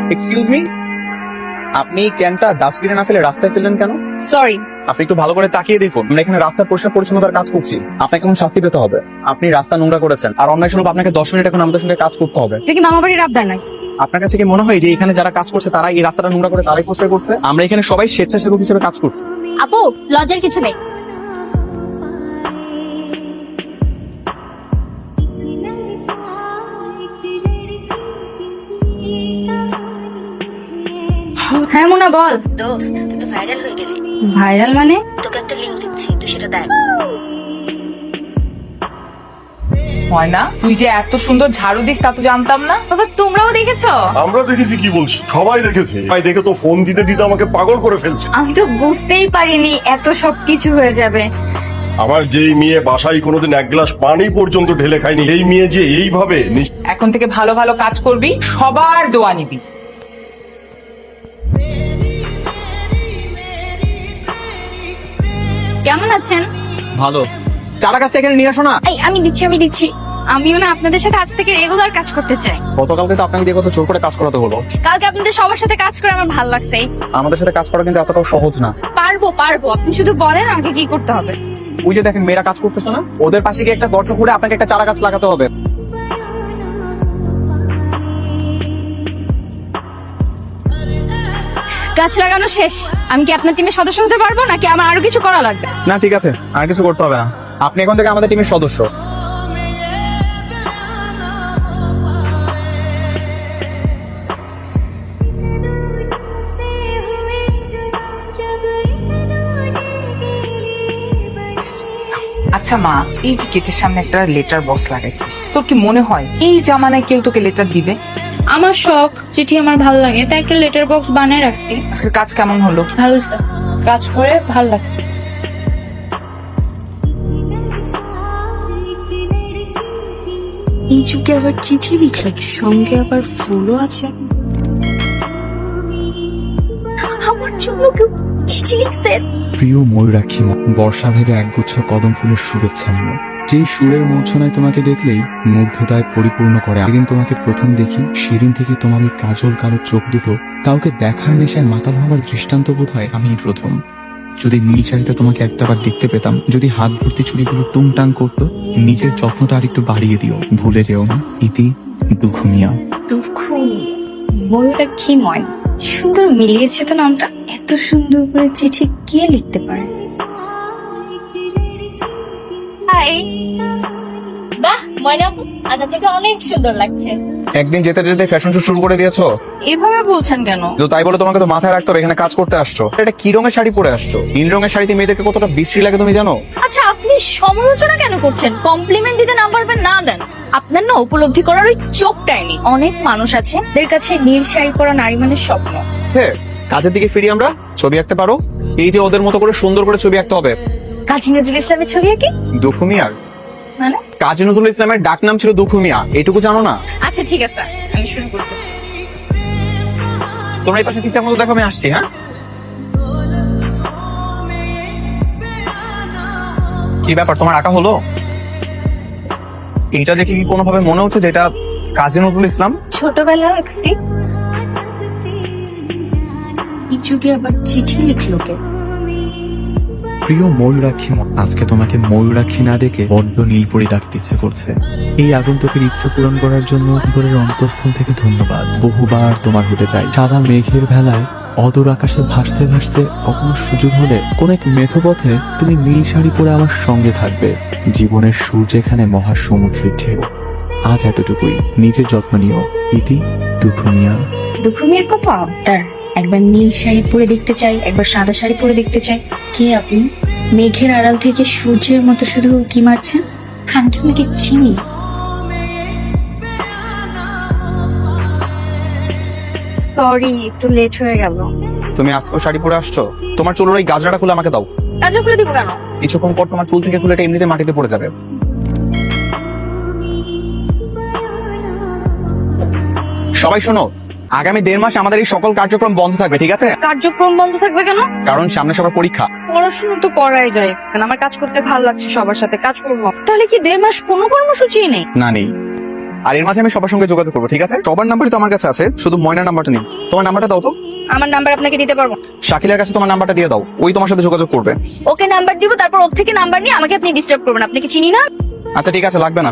Excuse me, আপনি ক্যানটা ডাস্টবিনে না ফেলে রাস্তায় ফেললেন কেন? সরি। আপনি একটু ভালো করে তাকিয়ে দেখুন, আমরা এখানে রাস্তার পরিষ্কার পরিচ্ছন্নতার কাজ করছি। আপনাকে এখন শাস্তি পেতে হবে। আপনি রাস্তা নোংরা করেছেন, আর অন্যায় স্বরূপ আপনাকে 10 মিনিট এখন আমাদের সঙ্গে কাজ করতে হবে। এটা কি মামা বাড়ির আবদার নাকি? আপনার কাছে কি মনে হয় যে এখানে যারা কাজ করছে তারা এই রাস্তাটা নোংরা করে তারাই পরিষ্কার করছে? আমরা এখানে সবাই স্বেচ্ছাসেবক হিসেবে কাজ করছি। আপু, লজ্জার কিছু নেই। হ্যাঁ মোনা, বল। দোস্ত, তুই তো ভাইরাল হয়ে গেলি। ভাইরাল মানে? তোকে একটা লিংক দিচ্ছি, তুই সেটা দেখ। হয় না? তুই যে এত সুন্দর ঝাড়ু দিস তা তো জানতাম না। বাবা, তোমরাও দেখেছো? আমরা দেখেছি কি বলছি, সবাই দেখেছে। ভাই দেখে তো ফোন দিতে দিতে আমাকে পাগল করে ফেলছে। আমি তো বুঝতেই পারিনি এত সবকিছু হয়ে যাবে। আমার যেই মেয়ে বাসায় কোনোদিন এক গ্লাস পানি পর্যন্ত ঢেলে খায়নি, এই মেয়ে যে এইভাবে এখন থেকে ভালো ভালো কাজ করবি, সবার দোয়া নিবি। কেমন আছেন? ভালো। চারা গাছ এখানে নিয়ে আসো না। এই আমি দিচ্ছি। আমিও না আপনাদের সাথে আজ থেকে রেগুলার কাজ করতে চাই। গতকালকে তো আপনাকে দিয়ে কত জোর করে কাজ করাতে হলো। কালকে আপনাদের সবার সাথে কাজ করে আমার ভালো লাগছে। আমাদের সাথে কাজ করা কিন্তু এতটাও সহজ না। পারবো, আপনি শুধু বলেন আমাকে কি করতে হবে। ওই যে দেখেন মেয়েরা কাজ করতেছে না, ওদের পাশে গিয়ে একটা গর্ত করে আপনাকে একটা চারা গাছ লাগাতে হবে। গাছ লাগানো শেষ। আমি কি আপনার টিমের সদস্য হতে পারবো নাকি আমার আরো কিছু করা লাগবে? না ঠিক আছে, আর কিছু করতে হবে না। আপনি এখন থেকে আমাদের টিমের সদস্য। আচ্ছা মা, এই যে গেটের সামনে একটা লেটার বক্স লাগাইছিস, তোর কি মনে হয় এই জামানায় কেউ তোকে লেটার দিবে? আমার শখ, চিঠি আমার ভালো লাগে তাই একটা লেটার বক্স বানিয়ে রাখছি। আজকের কাজ কেমন হলো? ভালো স্যার, কাজ করে ভালো লাগছে। এই যুগে আবার চিঠি লিখলে সঙ্গে আবার ফুলও আছে। আমার জন্য কেউ চিঠি লিখছে। প্রিয় ময়ূরাক্ষী, বর্ষা ভেজা একগুচ্ছ কদম ফুলের শুভেচ্ছা নিও। যেই সুরের মূর্ছনায় তোমাকে দেখলেই মুগ্ধতায় পরিপূর্ণ করে। একদিন তোমাকে প্রথম দেখি, সেদিন থেকে তোমার ওই কাজল কালো চোখ দুটো কাউকে দেখার নেশায় মাতাল হওয়ার দৃষ্টান্ত বোধ হয় আমি প্রথম। যদি নীল শাড়িতে তোমাকে একটাবার দেখতে পেতাম, যদি হাত ভর্তি চুড়িগুলো টুংটাং করতো, নিজের যত্নটা আর একটু বাড়িয়ে দিও, ভুলে যেও না। ইতি দুখুমিয়া। দুঃখ বইটা কি ময় সুন্দর মিলিয়েছে তো নামটা। এত সুন্দর করে চিঠি কে লিখতে পারে? হাই, বাহ ময়না আপু, আজ আপনাকে অনেক সুন্দর লাগছে। একদিন যেতে যেতে ফ্যাশন শো শুরু করে দিয়েছো। এভাবে বলছেন কেন? তো তাই বলে তোমাকে তো মাথায় রাখতে হবে এখানে কাজ করতে আসছো। এটা কি রঙের শাড়ি পরে আসছো? নীল রঙের শাড়িতে মেয়েদেরকে কতটা বিশ্রী লাগে তুমি জানো? আচ্ছা, আপনি সমালোচনা কেন করছেন? কমপ্লিমেন্ট দিতে না পারবেন না দেন। আপনার না উপলব্ধি করার ওই চোখটাই নেই। অনেক মানুষ আছে যাদের কাছে নীল শাড়ি পরা নারী মানে স্বপ্ন। হ্যাঁ, কাজের দিকে ফিরি আমরা। ছবি আঁকতে পারো? এই যে ওদের মতো করে সুন্দর করে ছবি আঁকতে হবে। কাজী নজরুল ইসলামের ছবি আঁকি দুখু মিয়ার মানে? কাজী নজরুল ইসলামের ডাক নাম ছিল দুখু মিয়া, এটুকু জানো না? আচ্ছা ঠিক আছে, আমি শুরু করতেছি। তোমরা এই পাশে ঠিকঠাক মতো দেখো, আমি আসছি। হ্যাঁ, কি ব্যাপার, তোমার আঁকা হলো? এইটা দেখে কি কোনোভাবে মনে হচ্ছে যে এটা কাজী নজরুল ইসলাম? ছোটবেলায় আঁকছি। এই যুগে আবার চিঠি লিখলো কে? প্রিয় ময়ূরাক্ষী, আজকে তোমাকে ময়ূরাক্ষী না ডেকে বড্ড নীলপরি ডাকতে ইচ্ছে করছে। এই আগন্তুকের ইচ্ছে পূরণ করার জন্য উপরের অন্তঃস্থল থেকে ধন্যবাদ। বহুবার তোমার হতে চাই। সাদা মেঘের ভেলায় অদূর আকাশে ভাসতে ভাসতে কখনো সুযোগ হলে কোন এক মেঠোপথে তুমি নীল শাড়ি পরে আমার সঙ্গে থাকবে। জীবনের সুর যেখানে মহাসমুদ্রের ঢেউ। আজ এতটুকুই, নিজের যত্ন নিও। ইতি দুখুমিয়া। দুখুমিয়ার কত আবদার, একবার নীল শাড়ি পরে দেখতে চাই, একবার সাদা শাড়ি পরে দেখতে চাই। কে আপনি? মেঘের আড়াল থেকে সূর্যের মতো শুধু কি মারছেন? আমি তো নাকি চিনি। সরি, একটু লেট হয়ে গেল। তুমি আজকেও শাড়ি পরে আসছো? তোমার চুলের ওই গাজরাটা খুলে আমাকে দাও। কাজে খুলে দিব কেন? কিছুক্ষণ পর তোমার চুল থেকে খুলে এটা এমনিতে মাটিতে পড়ে যাবে। সবাই শোনো, আগামী 1.5 মাস আমাদের এই সকল কার্যক্রম বন্ধ থাকবে, ঠিক আছে? কার্যক্রম বন্ধ থাকবে কেন? কারণ সামনে সবার পরীক্ষা। পড়াশোনা তো করাই যায়, আমার কাজ করতে ভালো লাগছে, সবার সাথে কাজ করবো। তাহলে কি 1.5 মাস কোনো কর্মসূচি নেই? না নেই, আর এর মাঝে আমি সবার সঙ্গে যোগাযোগ করবো, ঠিক আছে? সবার নাম্বারই তো আমার কাছে আছে, শুধু ময়নার নাম্বারটা নেই। তোমার নাম্বারটা দাও তো। আমার নাম্বার আপনাকে দিতে পারবো না। শাকিলের কাছে তোমার নাম্বারটা দিয়ে দাও, ওই তোমার সাথে যোগাযোগ করবে। ওকে নাম্বার দিব, তারপর ওর থেকে নাম্বার নিয়ে আমাকে আপনি ডিস্টার্ব করবেন। আপনাকে চিনি না। আচ্ছা ঠিক আছে, লাগবে না।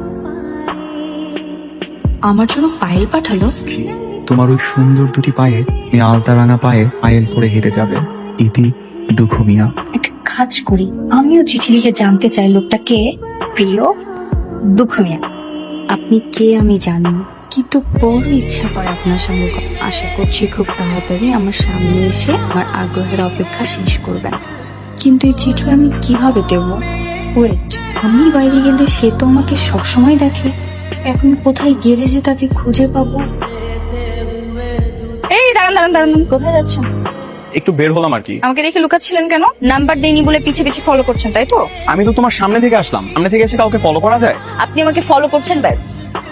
আমার জন্য পায়েল পাঠালো। তোমার ওই সুন্দর দুটি পায়ে, এই আলতা রাঙা পায়ে পায়েল পরে হেঁটে যাবে। ইতি দুঃখু মিয়া। একটা কাজ করি, আমিও চিঠি লিখে জানতে চাই লোকটা কে। প্রিয় দুঃখ মিয়া, আপনি কে আমি জানি, কিন্তু বড় ইচ্ছা করে আপনার সঙ্গে আশা করছি খুব তাড়াতাড়ি আমার সামনে এসে আমার আগ্রহের অপেক্ষা শেষ করবেন। কিন্তু এই চিঠি আমি কিভাবে দেব? ওয়েট, আমি বাইরে গেলে সে তো আমাকে সবসময় দেখে, এখন কোথায় গেলে যে তাকে খুঁজে পাবো? এই দাঁড়ান দাঁড়ান দাঁড়ান, কোথায় যাচ্ছেন? একটু বের হলাম আর কি। আমাকে দেখে লুকাচ্ছিলেন কেন? নাম্বার দেইনি বলে পিছে পিছে ফলো করছেন, তাই তো? আমি তো তোমার সামনে থেকে আসলাম, সামনে থেকে এসে কাউকে ফলো করা যায়? আপনি আমাকে ফলো করছেন, ব্যাস।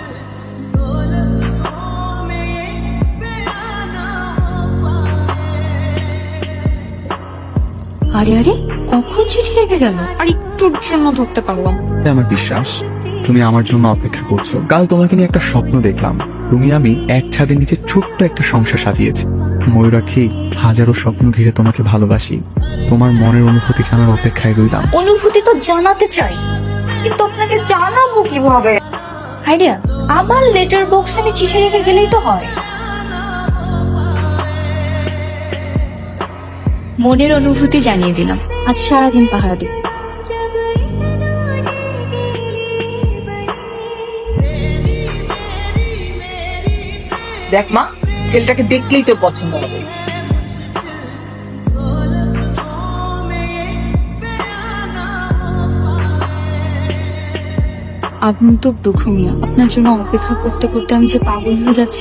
আরে আরে, কখন চিঠি লেগে গেল? আর একটুর জন্য ধরতে পারলাম। আমার বিশ্বাস তুমি আমার জন্য অপেক্ষা করছো। কাল তোমাকে নিয়ে একটা স্বপ্ন দেখলাম, তুমি আমি এক ছাদের নিচে ছোট্ট একটা সংসার সাজিয়েছি। ময়ূরাক্ষী, হাজারো স্বপ্ন ঘিরে তোমাকে ভালোবাসি। তোমার মনের অনুভূতি জানার অপেক্ষায় রইলাম। অনুভূতি তো জানাতে চাই, কিন্তু আপনাকে জানাবো কিভাবে? আইডিয়া, আমার লেটার বক্সে আমি চিঠি রেখে গেলেই তো হয়। মনের অনুভূতি জানিয়ে দিলাম, আজ সারাদিন পাহারা দিব। দেখ মা, ছেলেটাকে দেখলেই তোর পছন্দ হবে। আগন্তুক দুঃখ মিয়া, আপনার জন্য অপেক্ষা করতে করতে আমি যে পাগল হয়ে যাচ্ছি।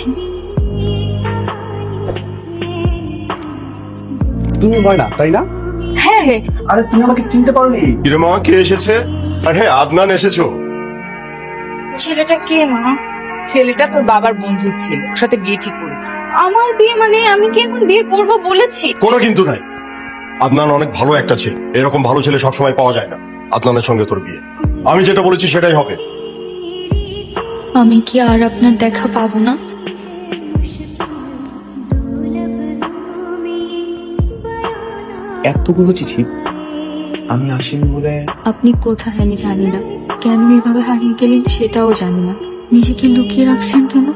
তুমি ময়না, তাই না? হ্যাঁ হ্যাঁ, আরে তুমি আমাকে চিনতে পারোনি? কিরে মা, কে এসেছে? আরে আদনান এসেছো? ছেলেটা কে মা? ছেলেটা তোর বাবার বন্ধুর ছেলে, ওর সাথে বিয়ে ঠিক করেছে। আমার বিয়ে মানে আমি কি এখন বিয়ে করব বলেছি? কোনো কিন্তু নাই। আদনান অনেক ভালো একটা ছেলে, এরকম ভালো ছেলে সবসময় পাওয়া যায় না। আদনানের সঙ্গে তোর বিয়ে, আমি যেটা বলেছি সেটাই হবে। আমি কি আর আপনার দেখা পাবো না? এতগুলো চিঠি আমি আসিনি বলে। আপনি কোথায় আমি জানি না, কেন এভাবে হারিয়ে গেলেন সেটাও জানি না। নিজেকে লুকিয়ে রাখছেন কেন?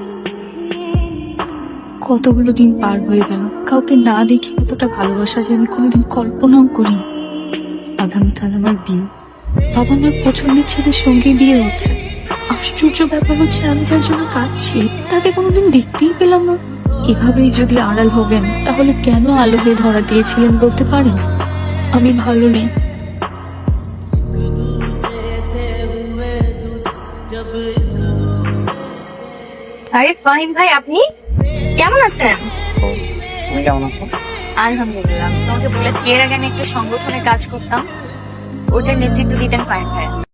কতগুলো দিন পার হয়ে গেল, কাউকে না দেখে এতটা ভালোবাসা যে আমি কোনোদিন কল্পনাও করিনি। আগামীকাল আমার বিয়ে, বাবা আমার পছন্দের ছেলের সঙ্গে বিয়ে হচ্ছে। আশ্চর্য ব্যাপার হচ্ছে, আমি যার জন্য কাঁদছি তাকে কোনোদিন দেখতেই পেলাম না। এভাবেই যদি আড়াল হবেন, তাহলে কেন আলো হয়ে ধরা দিয়েছিলেন বলতে পারেন? আমি ভালো নেই। আরে ফাহিম ভাই, আপনি কেমন আছেন? তুমি কেমন আছো? আলহামদুলিল্লাহ। আমি তোমাকে বলেছি এর আগে আমি একটা সংগঠনে কাজ করতাম, ওটার নেতৃত্ব দিতেন ফাহিম ভাই।